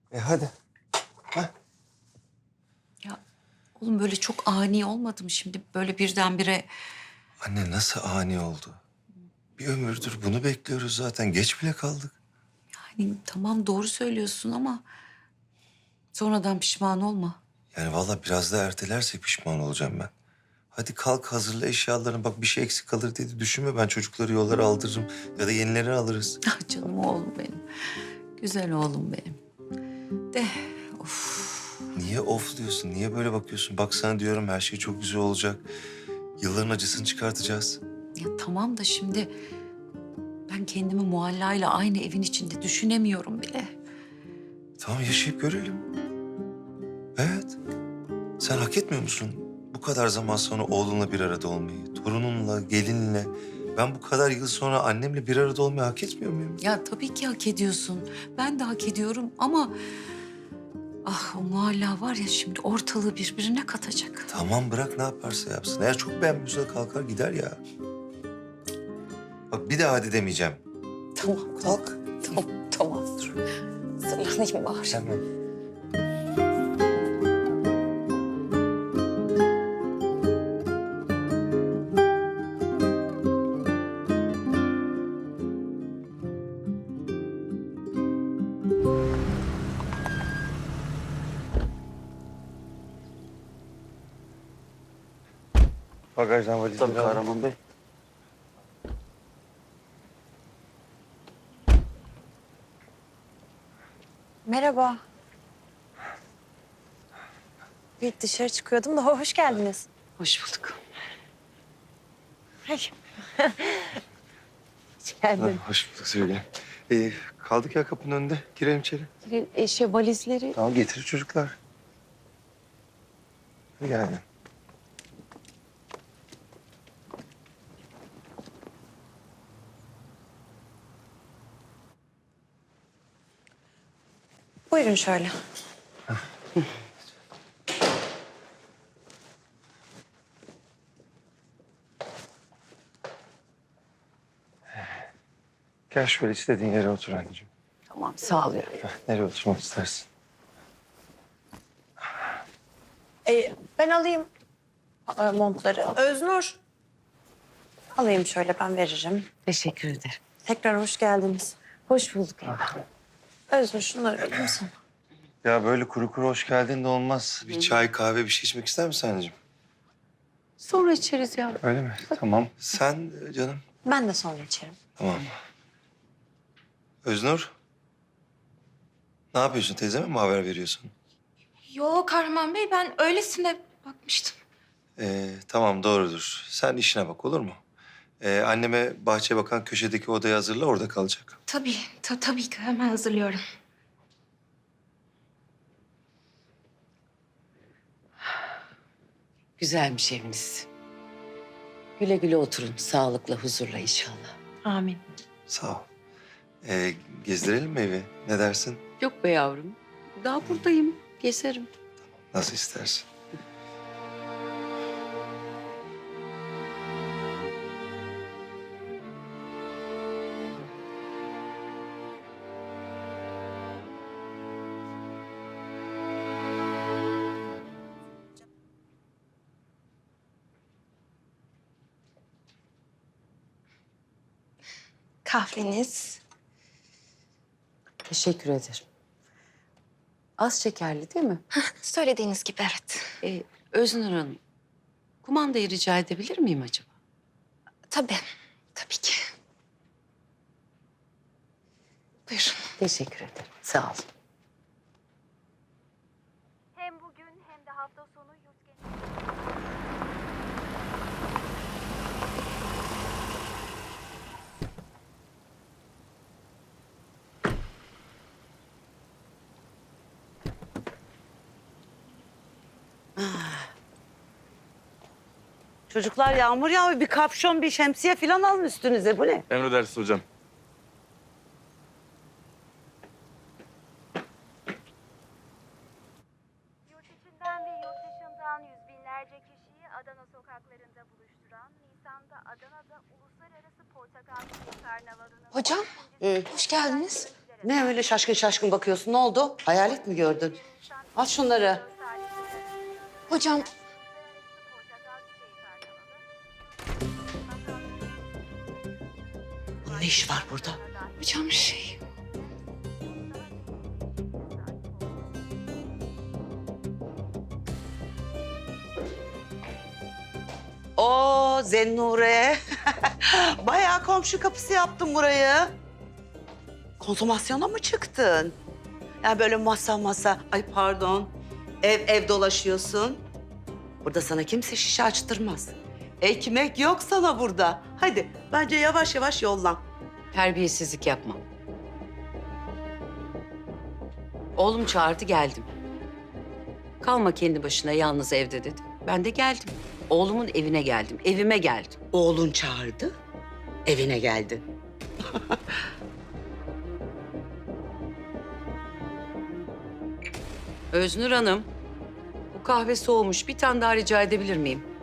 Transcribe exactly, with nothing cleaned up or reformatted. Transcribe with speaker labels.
Speaker 1: E hadi. Heh.
Speaker 2: Ya oğlum böyle çok ani olmadı mı şimdi böyle birdenbire?
Speaker 1: Anne nasıl ani oldu? Bir ömürdür bunu bekliyoruz zaten. Geç bile kaldık.
Speaker 2: Hani tamam doğru söylüyorsun ama sonradan pişman olma.
Speaker 1: Yani vallahi biraz daha ertelerse pişman olacağım ben. Hadi kalk hazırla eşyalarını. Bak bir şey eksik kalır diye düşünme. Ben çocukları yollara aldırırım. Ya da yenilerini alırız.
Speaker 2: Ah canım oğlum benim. Güzel oğlum benim. De of.
Speaker 1: Niye of diyorsun? Niye böyle bakıyorsun? Bak sana diyorum her şey çok güzel olacak. Yılların acısını çıkartacağız.
Speaker 2: Ya tamam da şimdi ben kendimi Muhalla'yla aynı evin içinde düşünemiyorum bile.
Speaker 1: Tamam yaşayıp görelim. Evet. Sen hak etmiyor musun? Bu kadar zaman sonra oğlunla bir arada olmayı, torununla, gelinle. Ben bu kadar yıl sonra annemle bir arada olmayı hak etmiyor muyum?
Speaker 2: Ya tabii ki hak ediyorsun. Ben de hak ediyorum ama... Ah o Muhalla var ya şimdi ortalığı birbirine katacak.
Speaker 1: Tamam bırak ne yaparsa yapsın. Eğer çok beğenmiyorsa da kalkar gider ya. Bak bir daha hadi demeyeceğim.
Speaker 2: Tamam.
Speaker 1: Kalk.
Speaker 2: Tamam, tamam. Dur. Hazırlanayım bari.
Speaker 1: Tamam. Bagajdan valizleri
Speaker 3: Tabii
Speaker 1: al.
Speaker 3: Kahraman Bey.
Speaker 4: Merhaba. Bir dışarı çıkıyordum da hoş geldiniz.
Speaker 2: Hoş bulduk.
Speaker 4: Ay. Hoş geldin.
Speaker 1: Hoş bulduk Söyle. Ee, kaldık ya kapının önünde. Girelim içeri.
Speaker 4: E, şey valizleri.
Speaker 1: Tamam getirir çocuklar. Yani.
Speaker 4: Buyurun şöyle.
Speaker 1: Gel şöyle istediğin yere otur anneciğim.
Speaker 2: Tamam sağ ol.
Speaker 1: Heh, nereye oturmak istersin?
Speaker 4: E, ben alayım e, montları. Öznur. Alayım şöyle ben veririm.
Speaker 2: Teşekkür ederim.
Speaker 4: Tekrar hoş geldiniz.
Speaker 2: Hoş bulduk.
Speaker 4: Öznur şunları vereyim sana.
Speaker 1: Ya böyle kuru kuru hoş geldin de olmaz. Bir çay, kahve bir şey içmek ister misin anneciğim?
Speaker 2: Sonra içeriz ya.
Speaker 1: Öyle mi? Tamam. Sen e, canım?
Speaker 4: Ben de sonra içerim.
Speaker 1: Tamam. Öznur. Ne yapıyorsun? Teyzeme mi haber veriyorsun?
Speaker 5: Yo Kahraman Bey, ben öylesine bakmıştım.
Speaker 1: Ee, tamam doğrudur. Sen işine bak olur mu? Ee, anneme bahçeye bakan köşedeki odayı hazırla orada kalacak.
Speaker 5: Tabii, ta tabii ki hemen hazırlıyorum.
Speaker 6: Güzelmiş eviniz. Güle güle oturun. Sağlıkla, huzurla inşallah.
Speaker 4: Amin.
Speaker 1: Sağ ol. Ee, gezdirelim mi evi? Ne dersin?
Speaker 6: Yok be yavrum. Daha buradayım. Gezerim.
Speaker 1: Nasıl istersin?
Speaker 5: Kahveniz.
Speaker 6: Teşekkür ederim. Az şekerli değil mi?
Speaker 5: Söylediğiniz gibi evet.
Speaker 6: Ee, Öznur Hanım, kumandayı rica edebilir miyim acaba?
Speaker 5: Tabii, tabii ki. Buyurun.
Speaker 6: Teşekkür ederim. Sağ olun.
Speaker 7: Hem bugün hem de hafta sonu yurt genelinde...
Speaker 8: Çocuklar yağmur yağıyor. Bir kapşon, bir şemsiye falan alın üstünüze. Bu ne?
Speaker 3: Emredersiniz hocam.
Speaker 7: Yurt içinden ve yurt dışından yüz binlerce kişiyi Adana sokaklarında buluşturan Nisan'da Adana'da Uluslararası Portakal Suyu Karnavalı'nın...
Speaker 5: Hocam, hoş geldiniz.
Speaker 8: Ne öyle şaşkın şaşkın bakıyorsun? Ne oldu? Hayalet mi gördün? Al şunları.
Speaker 5: Hocam
Speaker 8: Bunun ne işi var burada?
Speaker 5: hocam şey.
Speaker 8: Oo Zennure. Bayağı komşu kapısı yaptın burayı. Konsomasyona mı çıktın? Yani böyle masa masa, ay pardon, ev ev dolaşıyorsun. Burada sana kimse şişe açtırmaz. Ekmek yok sana burada. Hadi bence yavaş yavaş yollan.
Speaker 6: Terbiyesizlik yapma. Oğlum çağırdı geldim. Kalma kendi başına yalnız evde dedi. Ben de geldim. Oğlumun evine geldim, evime geldim.
Speaker 8: Oğlun çağırdı, evine geldi.
Speaker 6: Öznur Hanım, bu kahve soğumuş. Bir tane daha rica edebilir miyim?